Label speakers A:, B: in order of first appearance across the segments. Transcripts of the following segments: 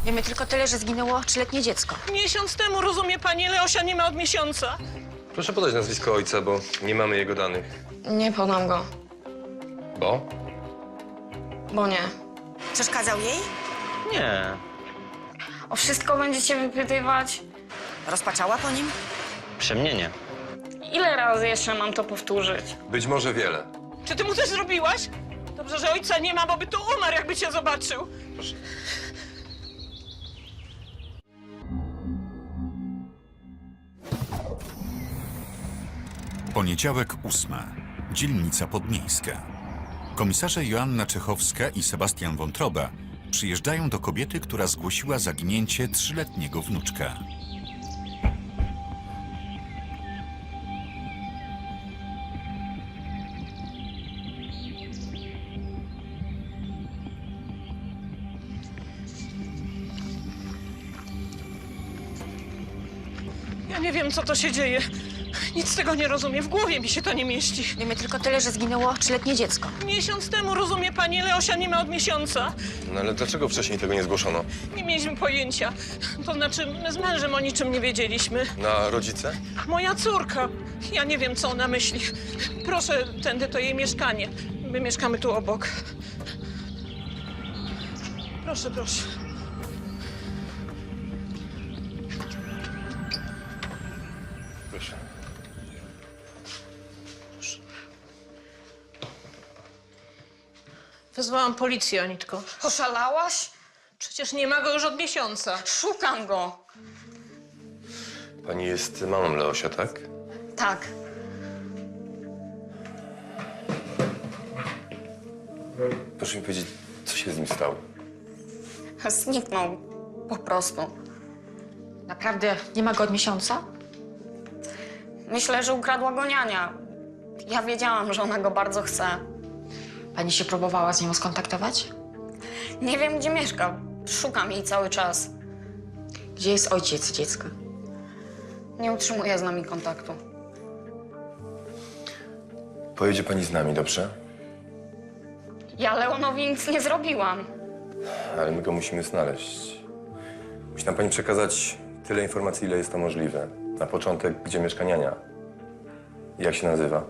A: Wiemy tylko tyle, że zginęło 3-letnie dziecko.
B: Miesiąc temu, rozumie pani, Leosia nie ma od miesiąca.
C: Proszę podać nazwisko ojca, bo nie mamy jego danych.
A: Nie podam go,
C: Bo?
A: bo nie.
D: Przeszkadzał jej?
E: Nie.
A: O wszystko będziecie wypytywać?
D: Rozpaczała po nim?
E: Przy mnie nie.
A: Ile razy jeszcze mam to powtórzyć?
C: Być może wiele.
B: Czy ty mu coś zrobiłaś? Dobrze, że ojca nie ma, bo by tu umarł, jakby cię zobaczył.
C: Proszę.
F: Poniedziałek 8. Dzielnica Podmiejska. Komisarze Joanna Czechowska i Sebastian Wątroba przyjeżdżają do kobiety, która zgłosiła zaginięcie 3-letniego wnuczka.
B: Ja nie wiem, co to się dzieje. Nic z tego nie rozumiem. W głowie mi się to nie mieści.
A: Wiemy tylko tyle, że zginęło 3-letnie dziecko.
B: Miesiąc temu, rozumie pani, Leosia nie ma od miesiąca.
C: No ale dlaczego wcześniej tego nie zgłoszono?
B: Nie mieliśmy pojęcia. To znaczy, my z mężem o niczym nie wiedzieliśmy.
C: Na rodzice?
B: Moja córka. Ja nie wiem, co ona myśli. Proszę, tędy to jej mieszkanie. My mieszkamy tu obok. Proszę, proszę.
C: Proszę.
B: Wezwałam policję, Anitko.
A: Oszalałaś?
B: Przecież nie ma go już od miesiąca.
A: Szukam go.
C: Pani jest mamą Leosia, tak?
A: Tak.
C: Proszę mi powiedzieć, co się z nim stało?
A: Zniknął. Po prostu. Naprawdę nie ma go od miesiąca? Myślę, że ukradła go niania. Ja wiedziałam, że ona go bardzo chce. Pani się próbowała z nią skontaktować? Nie wiem, gdzie mieszka. Szukam jej cały czas. Gdzie jest ojciec dziecka? Nie utrzymuje z nami kontaktu.
C: Pojedzie pani z nami, dobrze?
A: Ja Leonowi nic nie zrobiłam.
C: Ale my go musimy znaleźć. Musi nam pani przekazać tyle informacji, ile jest to możliwe. Na początek, gdzie mieszka niania? Jak się nazywa?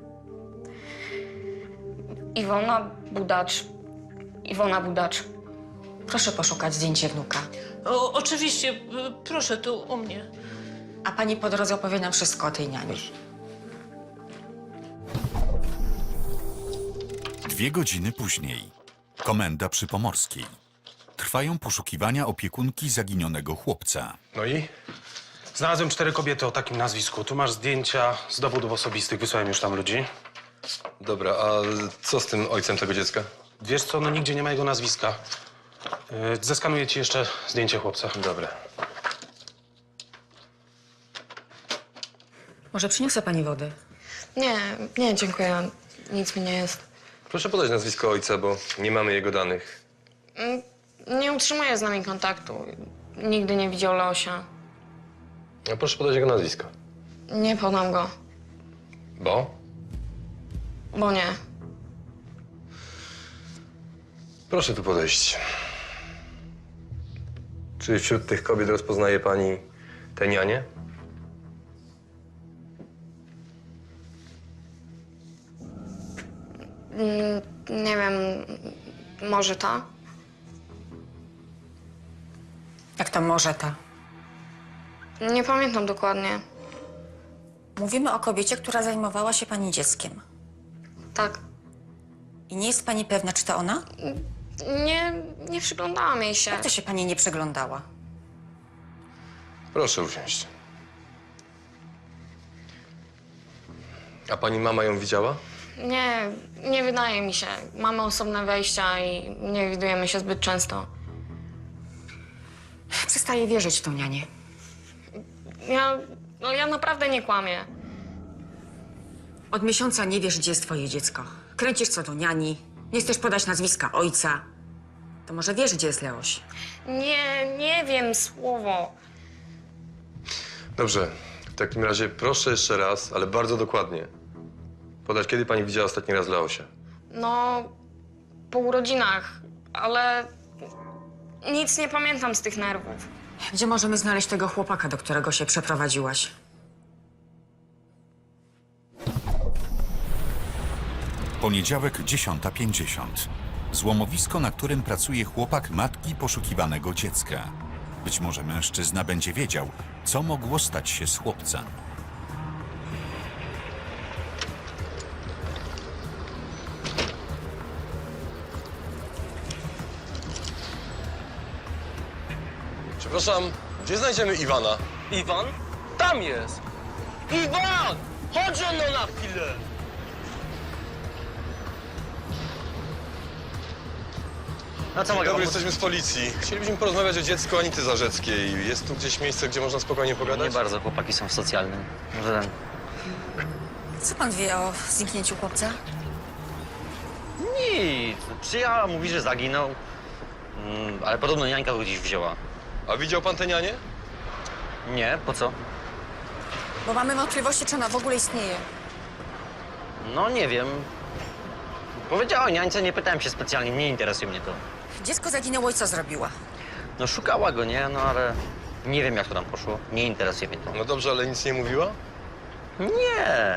A: Iwona Budacz. Iwona Budacz. Proszę poszukać zdjęcie wnuka.
B: Oczywiście, proszę tu u mnie.
A: A pani po drodze opowie nam wszystko o tej niani.
C: Proszę.
F: 2 godziny później. Komenda przy Pomorskiej. Trwają poszukiwania opiekunki zaginionego chłopca.
G: No i? Znalazłem 4 kobiety o takim nazwisku. Tu masz zdjęcia z dowodów osobistych. Wysłałem już tam ludzi.
C: Dobra, a co z tym ojcem tego dziecka?
G: Wiesz co, no nigdzie nie ma jego nazwiska. Zeskanuję ci jeszcze zdjęcie chłopca.
C: Dobra.
A: Może przyniosę pani wody? Nie, dziękuję. Nic mi nie jest.
C: Proszę podać nazwisko ojca, bo nie mamy jego danych.
A: Nie utrzymuje z nami kontaktu. Nigdy nie widział Leosia.
C: A proszę podać jego nazwisko.
A: Nie podam go,
C: Bo?
A: bo nie.
C: Proszę tu podejść. Czy wśród tych kobiet rozpoznaje pani tę nianię?
A: Nie wiem, może ta?
D: Jak to może ta?
A: Nie pamiętam dokładnie.
D: Mówimy o kobiecie, która zajmowała się pani dzieckiem.
A: Tak.
D: I nie jest pani pewna, czy to ona?
A: Nie przyglądałam jej się.
D: Jak to się pani nie przeglądała?
C: Proszę usiąść. A pani mama ją widziała?
A: Nie wydaje mi się. Mamy osobne wejścia i nie widujemy się zbyt często.
D: Przestaję wierzyć w tą nianię.
A: Ja naprawdę nie kłamię.
D: Od miesiąca nie wiesz, gdzie jest twoje dziecko. Kręcisz co do niani, nie chcesz podać nazwiska ojca. To może wiesz, gdzie jest Leoś?
A: Nie wiem, słowo.
C: Dobrze. W takim razie proszę jeszcze raz, ale bardzo dokładnie. Podać, kiedy pani widziała ostatni raz Leosia?
A: No, po urodzinach, ale Nic nie pamiętam z tych nerwów.
D: Gdzie możemy znaleźć tego chłopaka, do którego się przeprowadziłaś?
F: Poniedziałek 10:50. Złomowisko, na którym pracuje chłopak matki poszukiwanego dziecka. Być może mężczyzna będzie wiedział, co mogło stać się z chłopcem.
C: Przepraszam, gdzie znajdziemy Iwana?
H: Iwan? Tam jest! Iwan! Chodź no na chwilę!
E: No co mogę
C: Dobry,
E: pomóc?
C: jesteśmy z policji. Chcielibyśmy porozmawiać o dziecku Anity Zarzeckiej. Jest tu gdzieś miejsce, gdzie można spokojnie
E: Nie
C: pogadać?
E: bardzo, chłopaki są w socjalnym. Może ten...
D: Co pan wie o zniknięciu chłopca?
E: Nic. Przyjechała, mówi, że zaginął. Ale podobno niańka go gdzieś wzięła.
C: A widział pan tę nianię?
E: Nie, po co?
D: Bo mamy wątpliwości, czy ona w ogóle istnieje.
E: No nie wiem. Powiedziała o niańce, nie pytałem się specjalnie, nie interesuje mnie to.
D: Dziecko zaginęło i co zrobiła?
E: No szukała go, nie? No ale nie wiem, jak to tam poszło. Nie interesuje mnie to.
C: No dobrze, ale nic nie mówiła?
E: Nie.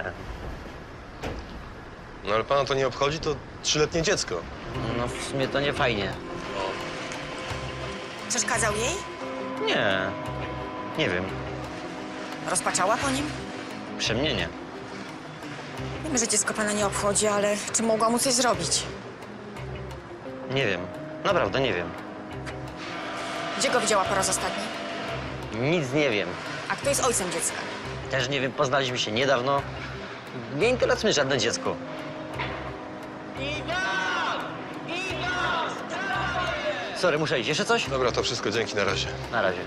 C: No ale pana to nie obchodzi, to 3-letnie dziecko.
E: No w sumie to nie fajnie.
D: Przeszkadzał jej?
E: Nie. Nie wiem.
D: Rozpaczała po nim?
E: Przemnienie.
D: Wiemy, że dziecko pana nie obchodzi, ale czy mogła mu coś zrobić?
E: Nie wiem. Naprawdę nie wiem.
D: Gdzie go widziała po raz ostatni?
E: Nic nie wiem.
D: A kto jest ojcem dziecka?
E: Też nie wiem, poznaliśmy się niedawno. Nie interesuje mnie żadne dziecko.
H: Iwan! Iwan!
E: Sorry, muszę iść. Jeszcze coś?
C: Dobra, to wszystko, dzięki, na razie.
E: Na razie.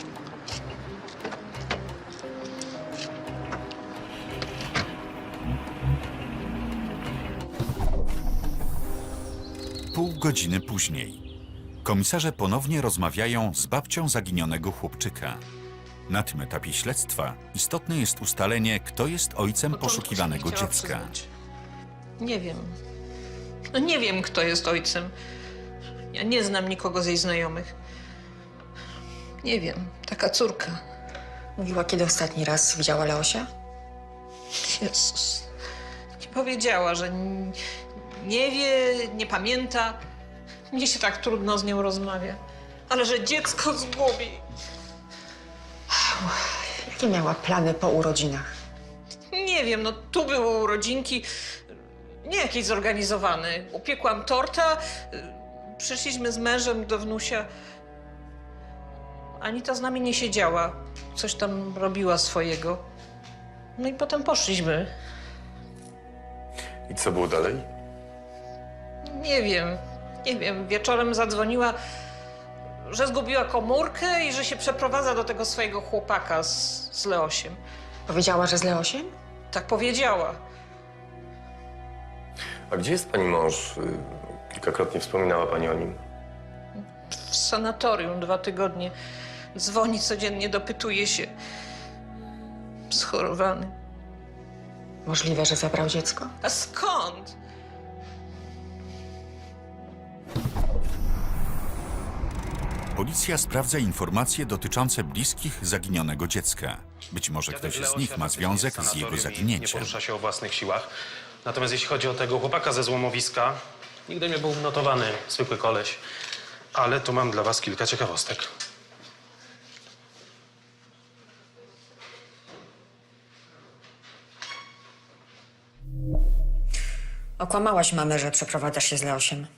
F: Pół godziny później. Komisarze ponownie rozmawiają z babcią zaginionego chłopczyka. Na tym etapie śledztwa istotne jest ustalenie, kto jest ojcem
B: Początku się
F: poszukiwanego
B: nie chciała
F: dziecka.
B: przyznać. Nie wiem. No nie wiem, kto jest ojcem. Ja nie znam nikogo z jej znajomych. Nie wiem. Taka córka.
D: Mówiła, kiedy ostatni raz widziała Leosia?
B: Jezus. Nie powiedziała, że nie wie, nie pamięta. Mnie się tak trudno z nią rozmawia. Ale że dziecko zgubi.
D: Jakie miała plany po urodzinach?
B: Nie wiem, no tu były urodzinki, nie jakieś zorganizowane. Upiekłam torta, przyszliśmy z mężem do wnusia. Anita z nami nie siedziała, coś tam robiła swojego. No i potem poszliśmy.
C: I co było dalej?
B: Nie wiem, wieczorem zadzwoniła, że zgubiła komórkę i że się przeprowadza do tego swojego chłopaka z Leosiem.
D: Powiedziała, że z Leosiem?
B: Tak powiedziała.
C: A gdzie jest pani mąż? Kilkakrotnie wspominała pani o nim.
B: W sanatorium 2 tygodnie. Dzwoni codziennie, dopytuje się. Schorowany.
D: Możliwe, że zabrał dziecko?
B: A skąd?
F: Policja sprawdza informacje dotyczące bliskich zaginionego dziecka. Być może
G: Dziadek
F: ktoś z
G: Leosia
F: nich ma
G: faktycznie
F: związek
G: jest
F: z jego
G: sanatorium i Nie
F: zaginięciem.
G: porusza się o własnych siłach. Natomiast jeśli chodzi o tego chłopaka ze złomowiska, nigdy nie był notowany, zwykły koleś. Ale tu mam dla was kilka ciekawostek.
D: Okłamałaś mamę, że przeprowadzasz się z Leosiem.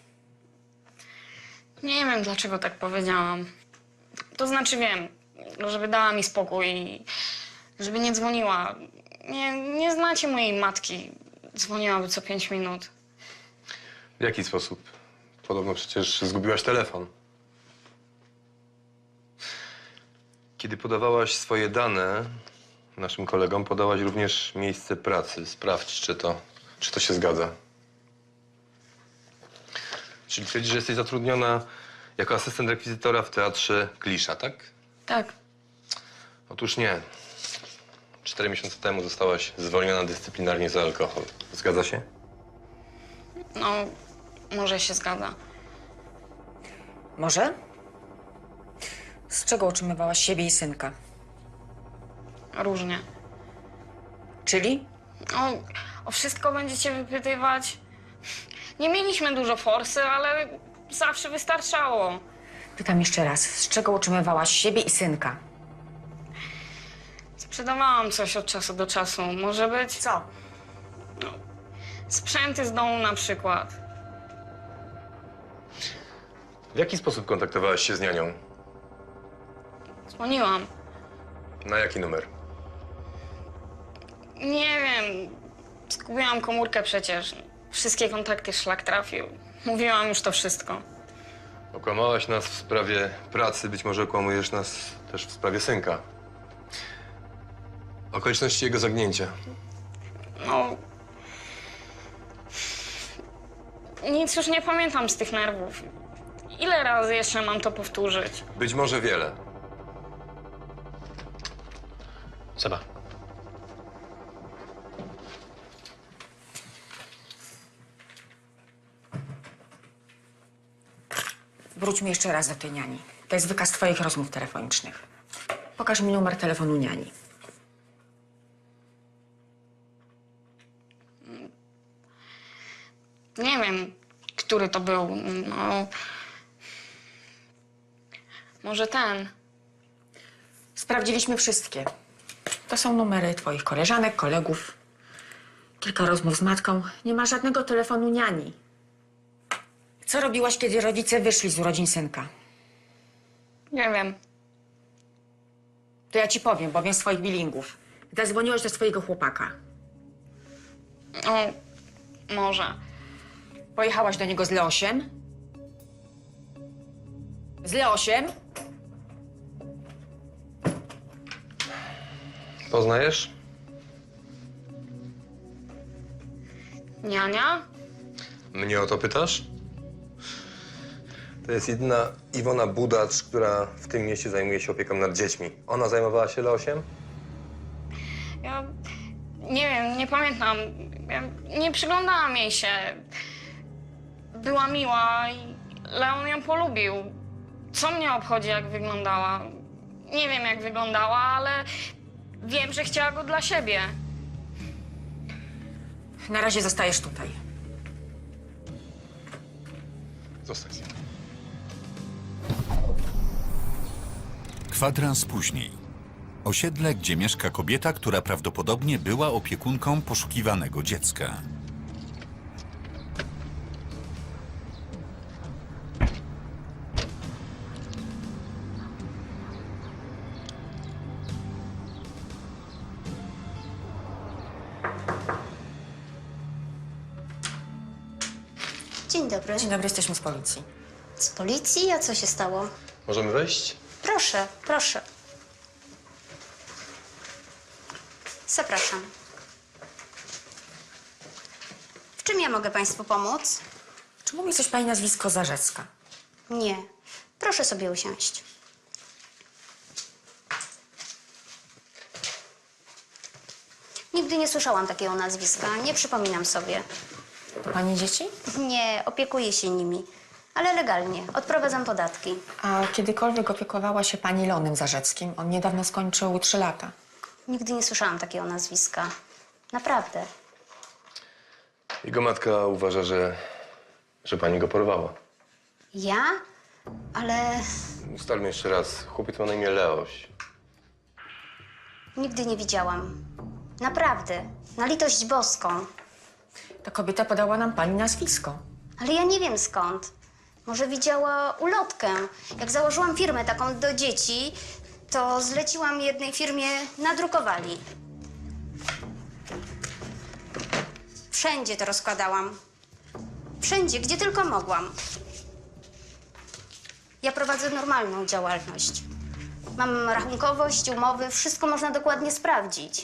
A: Nie wiem, dlaczego tak powiedziałam. To znaczy wiem, żeby dała mi spokój i żeby nie dzwoniła. Nie znacie mojej matki. Dzwoniłaby co 5 minut.
C: W jaki sposób? Podobno przecież zgubiłaś telefon. Kiedy podawałaś swoje dane naszym kolegom, podałaś również miejsce pracy. Sprawdź, czy to się zgadza. Czyli twierdzisz, że jesteś zatrudniona jako asystent rekwizytora w teatrze Klisza, tak?
A: Tak.
C: Otóż nie. 4 miesiące temu zostałaś zwolniona dyscyplinarnie za alkohol. Zgadza się?
A: No, może się zgadza.
D: Może? Z czego utrzymywałaś siebie i synka?
A: Różnie.
D: Czyli?
A: O wszystko będziecie wypytywać. Nie mieliśmy dużo forsy, ale zawsze wystarczało.
D: Pytam jeszcze raz, z czego utrzymywałaś siebie i synka?
A: Sprzedawałam coś od czasu do czasu. Może być
D: Co?
A: sprzęty z domu na przykład.
C: W jaki sposób kontaktowałaś się z nianią?
A: Dzwoniłam.
C: Na jaki numer?
A: Nie wiem. Zgubiłam komórkę przecież. Wszystkie kontakty szlak trafił. Mówiłam już to wszystko.
C: Okłamałaś nas w sprawie pracy, być może okłamujesz nas też w sprawie synka. Okoliczności jego zagnięcia.
A: No. Nic już nie pamiętam z tych nerwów. Ile razy jeszcze mam to powtórzyć?
C: Być może wiele.
G: Seba.
D: Wróćmy jeszcze raz do tej niani. To jest wykaz twoich rozmów telefonicznych. Pokaż mi numer telefonu niani.
A: Nie wiem, który to był. No. Może ten.
D: Sprawdziliśmy wszystkie. To są numery twoich koleżanek, kolegów. Kilka rozmów z matką. Nie ma żadnego telefonu niani. Co robiłaś, kiedy rodzice wyszli z urodzin synka?
A: Nie wiem.
D: To ja ci powiem, bo wiem z twoich bilingów. Zadzwoniłaś do swojego chłopaka.
A: O, może.
D: Pojechałaś do niego z Leosiem? Z Leosiem?
C: Poznajesz?
A: Niania?
C: Mnie o to pytasz? To jest jedyna Iwona Budacz, która w tym mieście zajmuje się opieką nad dziećmi. Ona zajmowała się Leosiem?
A: Ja nie wiem, nie pamiętam. Ja nie przyglądałam jej się. Była miła i Leon ją polubił. Co mnie obchodzi, jak wyglądała? Nie wiem, jak wyglądała, ale wiem, że chciała go dla siebie.
D: Na razie zostajesz tutaj.
C: Zostań.
F: Kwadrans później. Osiedle, gdzie mieszka kobieta, która prawdopodobnie była opiekunką poszukiwanego dziecka.
I: Dzień dobry.
D: Dzień dobry, jesteśmy z policji.
I: Z policji? A co się stało?
C: Możemy wejść?
I: Proszę, proszę. Zapraszam. W czym ja mogę państwu pomóc?
D: Czy mówi coś pani nazwisko Zarzecka?
I: Nie. Proszę sobie usiąść. Nigdy nie słyszałam takiego nazwiska. Nie przypominam sobie.
D: To pani dzieci?
I: Nie, opiekuję się nimi. Ale legalnie. Odprowadzam podatki.
D: A kiedykolwiek opiekowała się pani Leonem Zarzeckim? On niedawno skończył 3 lata.
I: Nigdy nie słyszałam takiego nazwiska. Naprawdę.
C: Jego matka uważa, że pani go porwała.
I: Ja? Ale
C: Ustalmy jeszcze raz. Chłopiec ma na imię Leoś.
I: nigdy nie widziałam. Naprawdę. Na litość boską.
D: Ta kobieta podała nam pani nazwisko.
I: Ale ja nie wiem skąd. Może widziała ulotkę. Jak założyłam firmę taką do dzieci, to zleciłam jednej firmie, nadrukowali. Wszędzie to rozkładałam. Wszędzie, gdzie tylko mogłam. Ja prowadzę normalną działalność. Mam rachunkowość, umowy, wszystko można dokładnie sprawdzić.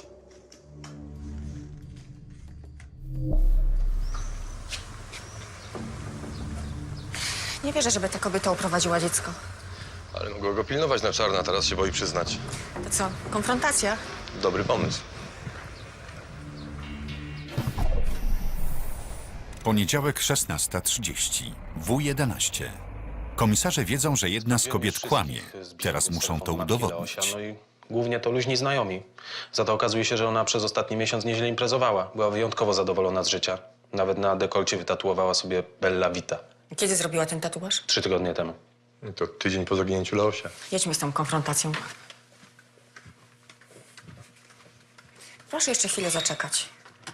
D: Nie wierzę, żeby ta kobieta uprowadziła dziecko.
C: Ale mogła go pilnować na czarno, a teraz się boi przyznać.
D: To co, konfrontacja?
C: Dobry pomysł.
F: Poniedziałek 16:30. W11. Komisarze wiedzą, że jedna z
G: Wielu
F: kobiet
G: wszystkich
F: kłamie.
G: zbiegów
F: Teraz
G: z
F: muszą to
G: telefonu matki
F: udowodnić.
G: Leosia, no i głównie to luźni znajomi. Za to okazuje się, że ona przez ostatni miesiąc nieźle imprezowała. Była wyjątkowo zadowolona z życia. Nawet na dekolcie wytatuowała sobie Bella Vita.
D: Kiedy zrobiła ten tatuaż?
G: 3 tygodnie temu.
C: To tydzień po zaginięciu Leosia.
D: Jedźmy z tą konfrontacją. Proszę jeszcze chwilę zaczekać.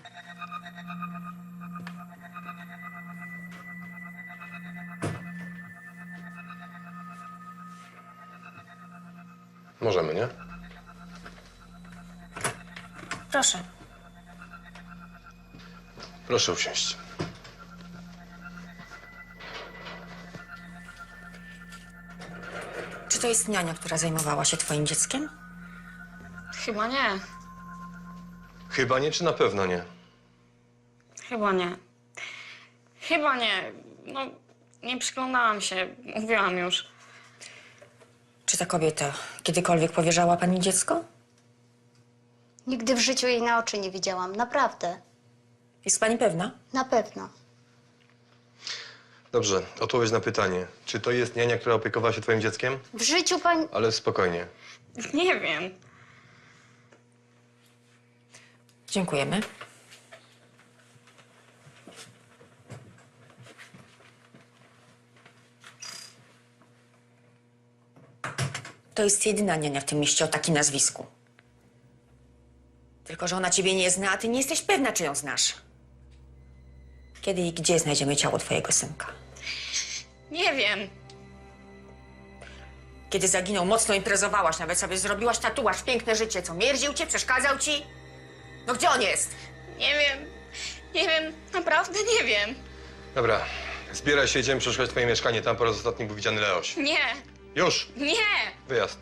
C: Możemy, nie?
D: Proszę.
C: Proszę usiąść.
D: Czy to jest niania, która zajmowała się twoim dzieckiem?
A: Chyba nie.
C: Chyba nie, czy na pewno nie?
A: Chyba nie. Chyba nie. No, nie przyglądałam się. Mówiłam już.
D: Czy ta kobieta kiedykolwiek powierzała pani dziecko?
I: Nigdy w życiu jej na oczy nie widziałam, naprawdę.
D: Jest pani pewna?
I: Na pewno.
C: Dobrze, odpowiedź na pytanie. Czy to jest niania, która opiekowała się twoim dzieckiem?
I: W życiu pani...
C: Ale spokojnie.
A: Nie wiem.
D: Dziękujemy. To jest jedyna niania w tym mieście o takim nazwisku. Tylko że ona ciebie nie zna, a ty nie jesteś pewna, czy ją znasz. Kiedy i gdzie znajdziemy ciało twojego synka?
A: Nie wiem.
D: Kiedy zaginął, mocno imprezowałaś, nawet sobie zrobiłaś tatuaż, piękne życie. Co, mierdził cię, przeszkadzał ci? No gdzie on jest?
A: Nie wiem. Nie wiem. Naprawdę nie wiem.
C: Dobra, zbieraj się, idziemy przeszukać twoje mieszkanie. Tam po raz ostatni był widziany Leoś.
A: Nie.
C: Już!
A: Nie.
C: Wyjazd.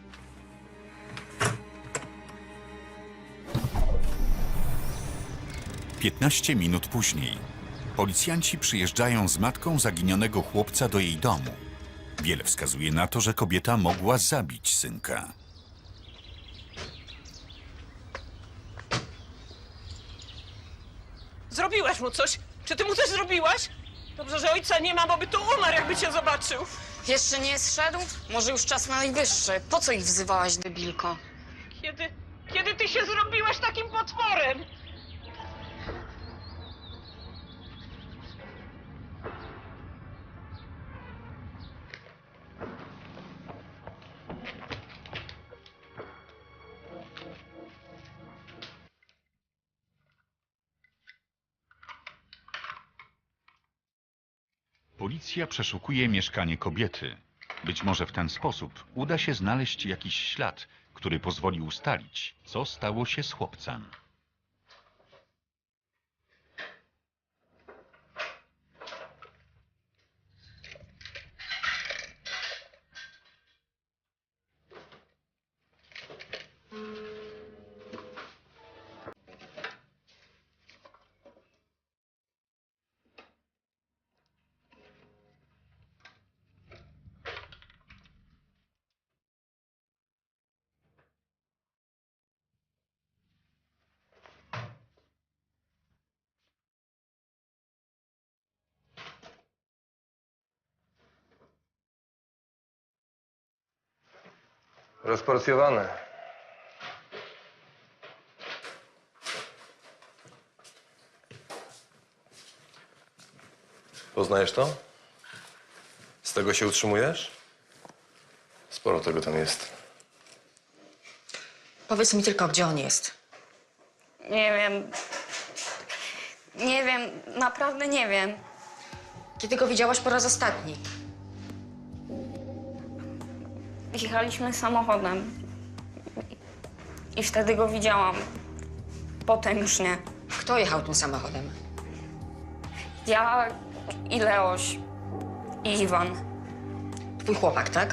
F: Piętnaście minut później. Policjanci przyjeżdżają z matką zaginionego chłopca do jej domu. Wiele wskazuje na to, że kobieta mogła zabić synka.
B: Zrobiłaś mu coś? Czy ty mu coś zrobiłaś? Dobrze, że ojca nie ma, bo by tu umarł, jakby cię zobaczył.
A: Jeszcze nie zszedł? Może już czas na najwyższy. Po co ich wzywałaś, debilko?
B: Kiedy ty się zrobiłaś takim potworem?
F: Policja przeszukuje mieszkanie kobiety. Być może w ten sposób uda się znaleźć jakiś ślad, który pozwoli ustalić, co stało się z chłopcem.
C: Rozporcjowane. Poznajesz to? Z tego się utrzymujesz? Sporo tego tam jest.
D: Powiedz mi tylko, gdzie on jest.
A: Nie wiem. Nie wiem. Naprawdę nie wiem.
D: Kiedy go widziałaś po raz ostatni?
A: Jechaliśmy samochodem. I wtedy go widziałam. Potem już nie.
D: Kto jechał tym samochodem?
A: Ja i Leoś. I Iwan.
D: Twój chłopak, tak?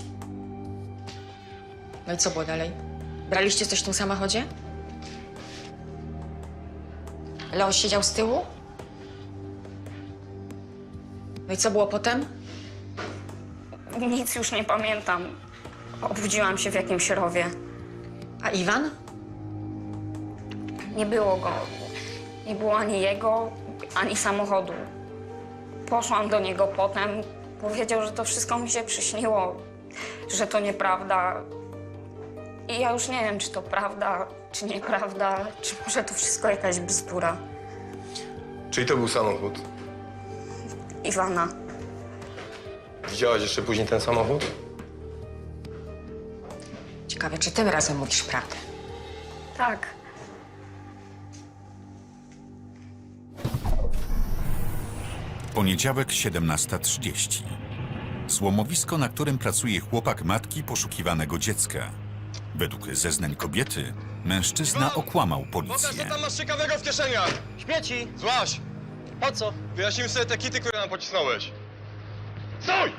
D: No i co było dalej? Braliście coś w tym samochodzie? Leoś siedział z tyłu? No i co było potem?
A: Nic już nie pamiętam. Obudziłam się w jakimś rowie.
D: A Iwan?
A: Nie było go. Nie było ani jego, ani samochodu. Poszłam do niego potem, Powiedział, że to wszystko mi się przyśniło, że to nieprawda. I ja już nie wiem, czy to prawda, czy nieprawda, czy może to wszystko jakaś bzdura.
C: Czyli to był samochód?
A: Iwana.
C: Widziałaś jeszcze później ten samochód?
D: Ciekawe, czy tym razem mówisz prawdę.
A: Tak.
F: Poniedziałek 17:30. Złomowisko, na którym pracuje chłopak matki poszukiwanego dziecka. Według zeznań kobiety, mężczyzna okłamał policję.
C: masz ciekawego w kieszeniach!
E: Śmieci!
C: Złaś!
E: Po co?
C: Wyjaśnimy sobie te kity, które nam pocisnąłeś. Stój!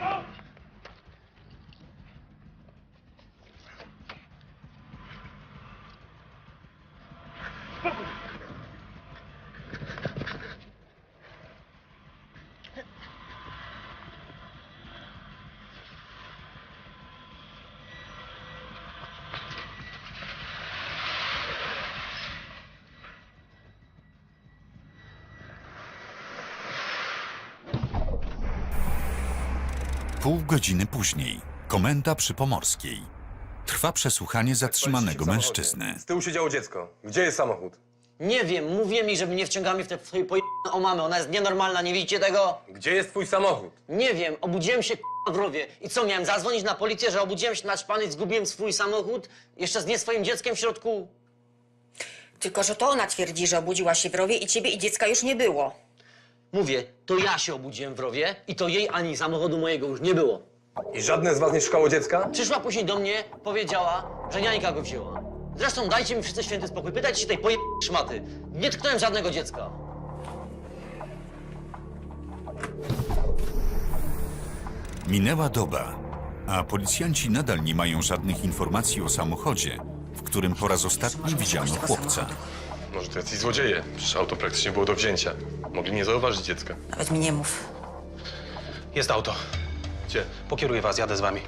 F: Pół godziny później. Komenda przy Pomorskiej. Trwa przesłuchanie zatrzymanego mężczyzny.
C: Z tyłu siedziało dziecko. Gdzie jest samochód?
E: Nie wiem, mówię mi, że mnie wciągamy w te twoje o mamę. Ona jest nienormalna, nie widzicie tego?
C: Gdzie jest twój samochód?
E: Nie wiem, obudziłem się w rowie. I co, miałem zadzwonić na policję, że obudziłem się naćpany i zgubiłem swój samochód? Jeszcze z nie swoim dzieckiem w środku?
D: Tylko, że to ona twierdzi, że obudziła się w rowie i ciebie i dziecka już nie było.
E: Mówię, to ja się obudziłem w rowie i to jej ani samochodu mojego już nie było.
C: I żadne z was nie szukało dziecka?
E: Przyszła później do mnie, powiedziała, że niańka go wzięła. Zresztą dajcie mi wszyscy święty spokój, pytajcie się tej szmaty. Nie tknąłem żadnego dziecka.
F: Minęła doba, a policjanci nadal nie mają żadnych informacji o samochodzie, w którym po raz ostatni widziano chłopca.
C: Może to jacyś złodzieje. Przecież auto praktycznie było do wzięcia. Mogli nie zauważyć dziecka.
D: Nawet mi nie mów.
G: Jest auto.
C: Gdzie?
G: Pokieruję was, jadę z wami.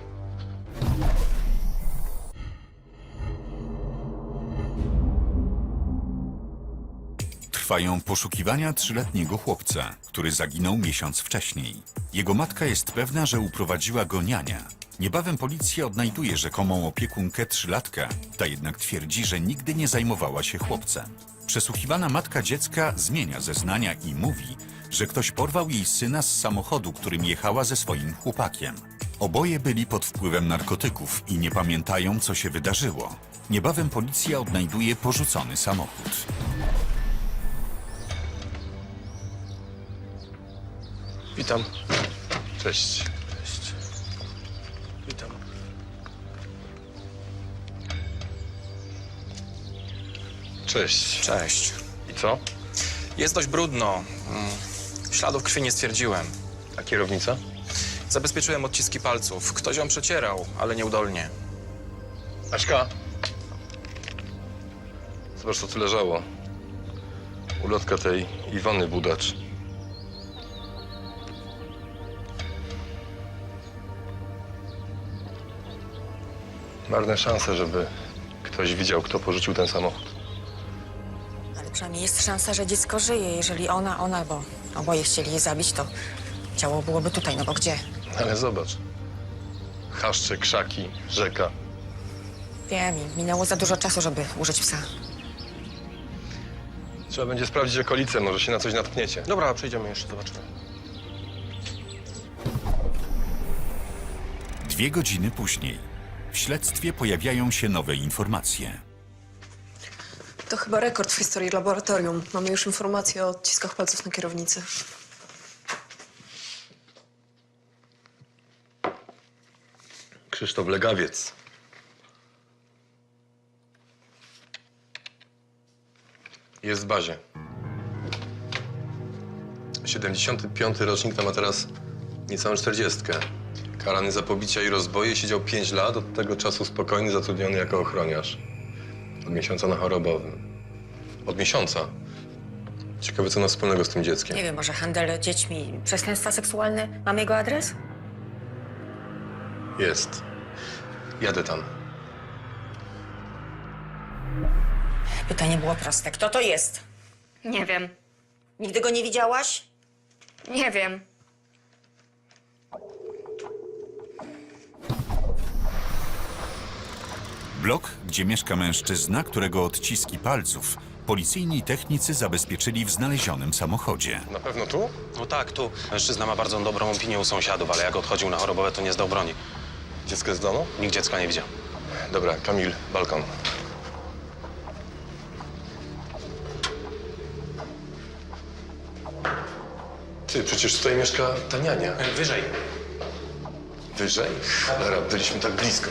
F: Trwają poszukiwania 3-letniego chłopca, który zaginął miesiąc wcześniej. Jego matka jest pewna, że uprowadziła go niania. Niebawem policja odnajduje rzekomą opiekunkę 3-latka, ta jednak twierdzi, że nigdy nie zajmowała się chłopcem. Przesłuchiwana matka dziecka zmienia zeznania i mówi, że ktoś porwał jej syna z samochodu, którym jechała ze swoim chłopakiem. Oboje byli pod wpływem narkotyków i nie pamiętają, co się wydarzyło. Niebawem policja odnajduje porzucony samochód.
G: Witam.
C: Cześć.
G: Cześć. Witam.
C: Cześć.
J: Cześć.
C: I co?
J: Jest dość brudno. Śladów krwi nie stwierdziłem.
C: A kierownica?
J: Zabezpieczyłem odciski palców. Ktoś ją przecierał, ale nieudolnie.
C: Aśka. Zobacz, co tu leżało. Ulotka tej Iwony Budacz. Marne szanse, żeby ktoś widział, kto porzucił ten samochód.
D: Ale przynajmniej jest szansa, że dziecko żyje. Jeżeli ona, bo oboje chcieli je zabić, to ciało byłoby tutaj, no bo gdzie?
C: Ale zobacz. Chaszcze, krzaki, rzeka.
D: Wiem, i minęło za dużo czasu, żeby użyć psa.
C: Trzeba będzie sprawdzić okolice, może się na coś natkniecie.
G: Dobra, przejdziemy jeszcze, zobaczymy.
F: 2 godziny później. W śledztwie pojawiają się nowe informacje.
K: To chyba rekord w historii laboratorium. Mamy już informacje o odciskach palców na kierownicy.
C: Krzysztof Legawiec. Jest w bazie. 75. rocznik to ma teraz niecałą 40. Karany za pobicia i rozboje, siedział 5 lat, od tego czasu spokojny, zatrudniony jako ochroniarz. Od miesiąca na chorobowym. Od miesiąca. Ciekawe, co ma wspólnego z tym dzieckiem.
D: Nie wiem, może handel dziećmi, przestępstwa seksualne. Mam jego adres?
C: Jest. Jadę tam.
D: Pytanie było proste. Kto to jest?
A: Nie wiem.
D: Nigdy go nie widziałaś?
A: Nie wiem.
F: Blok, gdzie mieszka mężczyzna, którego odciski palców policyjni technicy zabezpieczyli w znalezionym samochodzie.
C: Na pewno tu?
G: No tak, tu. Mężczyzna ma bardzo dobrą opinię u sąsiadów, ale jak odchodził na chorobowe, to nie zdał broni.
C: Dziecko jest w domu?
G: Nikt dziecka nie widział.
C: Dobra, Kamil, balkon. Ty, przecież tutaj mieszka ta niania.
G: Wyżej.
C: Wyżej? Cholera, byliśmy tak blisko.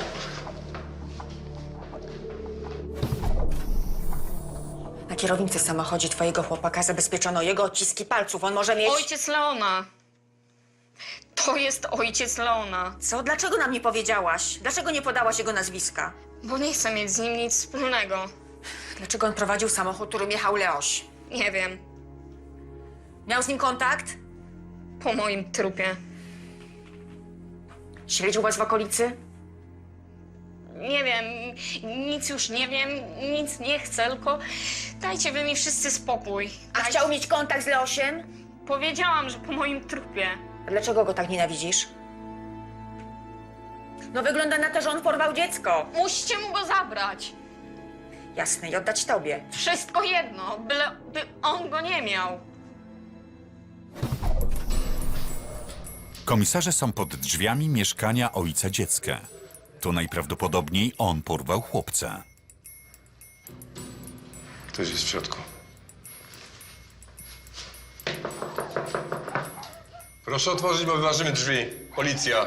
D: Na kierownicy w samochodzie twojego chłopaka zabezpieczono jego odciski palców. On może mieć...
A: Ojciec Leona. To jest ojciec Leona.
D: Co? Dlaczego nam nie powiedziałaś? Dlaczego nie podałaś jego nazwiska?
A: Bo nie chcę mieć z nim nic wspólnego.
D: Dlaczego on prowadził samochód, którym jechał Leoś?
A: Nie wiem.
D: Miał z nim kontakt?
A: Po moim trupie.
D: Śledził was w okolicy?
A: Nie wiem. Nic już nie wiem. Nic nie chcę, tylko dajcie wy mi wszyscy spokój.
D: A chciał mieć kontakt z Leosiem?
A: Powiedziałam, że po moim trupie.
D: A dlaczego go tak nienawidzisz? No wygląda na to, że on porwał dziecko.
A: Musicie mu go zabrać.
D: Jasne, i oddać tobie.
A: Wszystko jedno, by on go nie miał.
F: Komisarze są pod drzwiami mieszkania ojca dziecka. To najprawdopodobniej on porwał chłopca.
C: Ktoś jest w środku. Proszę otworzyć, bo wyważymy drzwi. Policja.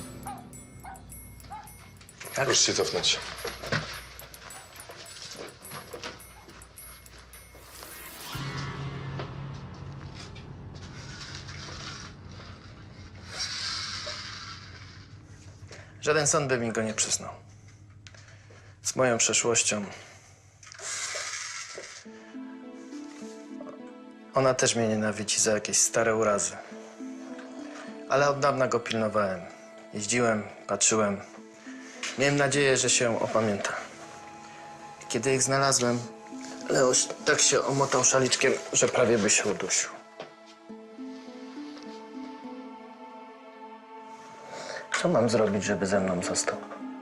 C: Proszę się cofnąć.
H: Żaden sąd by mi go nie przyznał. Z moją przeszłością. Ona też mnie nienawidzi za jakieś stare urazy. Ale od dawna go pilnowałem. Jeździłem, patrzyłem. Miałem nadzieję, że się opamięta. Kiedy ich znalazłem, Leoś tak się omotał szaliczkiem, że prawie by się udusił. Co mam zrobić, żeby ze mną został?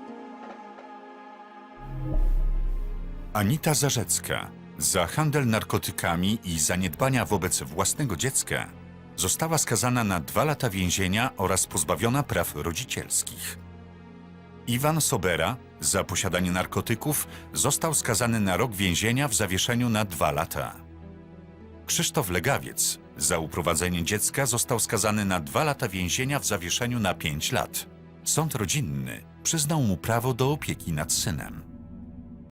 F: Anita Zarzecka za handel narkotykami i zaniedbania wobec własnego dziecka została skazana na 2 lata więzienia oraz pozbawiona praw rodzicielskich. Iwan Sobera za posiadanie narkotyków został skazany na rok więzienia w zawieszeniu na 2 lata. Krzysztof Legawiec za uprowadzenie dziecka został skazany na 2 lata więzienia w zawieszeniu na 5 lat. Sąd rodzinny przyznał mu prawo do opieki nad synem.